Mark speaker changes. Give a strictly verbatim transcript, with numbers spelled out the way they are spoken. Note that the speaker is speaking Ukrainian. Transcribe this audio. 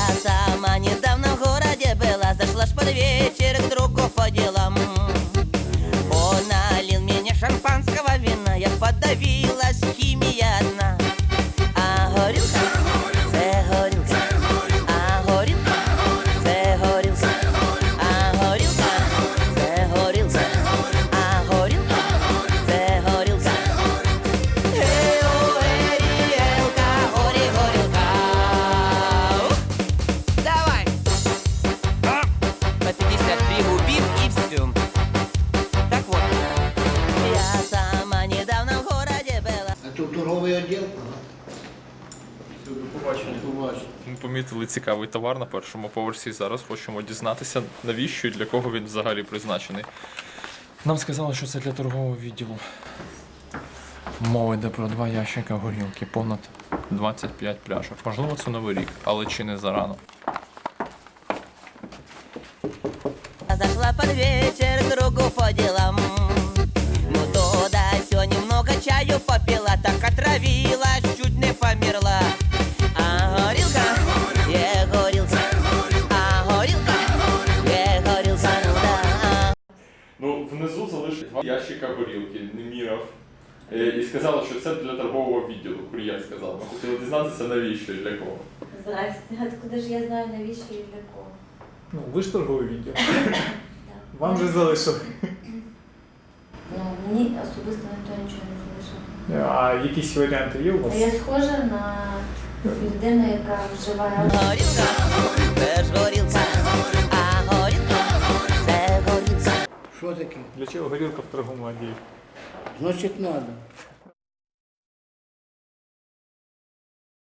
Speaker 1: сама недавно в городе была, зашла ж под вечер к другу по делам. Он налил мне шампанского вина, я подавилась, химия одна. А горілка, це горілка, а горілка, це горілка, а горілка, це горілка, а горілка, це горілка. Ей, о, горілка, горі, горілка. Давай! По пятьдесят пригубив и все. Так вот, я сама недавно в городе была.
Speaker 2: А тут торговий відділ?
Speaker 3: До побачення.
Speaker 2: Побачення.
Speaker 3: Ми помітили цікавий товар на першому поверсі. Зараз хочемо дізнатися, навіщо і для кого він взагалі призначений. Нам сказали, що це для торгового відділу. Мова йде про два ящика горілки, понад двадцять п'ять пляшок. Можливо, це Новий рік, але чи не зарано.
Speaker 1: Зашла под вечер к другу по делам. Ну туда все немного чаю попила, так отравилась, чуть не померла. А горілка, є горілка, а горілка, є горілка, ну да.
Speaker 3: Ну, внизу залишили два ящика горілки, не міряв. Е, І сказали, що це для торгового відділу. Кур'єр сказав. Ми хотіли дізнатися, навіщо і для кого.
Speaker 4: Здрасте, откуда ж я знаю, навіщо і для кого?
Speaker 5: Ну, ви ж торговий відділ.
Speaker 4: Так.
Speaker 5: Вам же залишили.
Speaker 4: Ну, мені особисто ніхто нічого не залишив.
Speaker 5: А якісь варіанти є у вас?
Speaker 4: А я схожа на людину, яка вживає алкоголь.
Speaker 1: Горілка, це ж горілка, а горілка, це горілка.
Speaker 2: Що таке?
Speaker 5: Для чого горілка в торговому відділі?
Speaker 2: Значить, треба.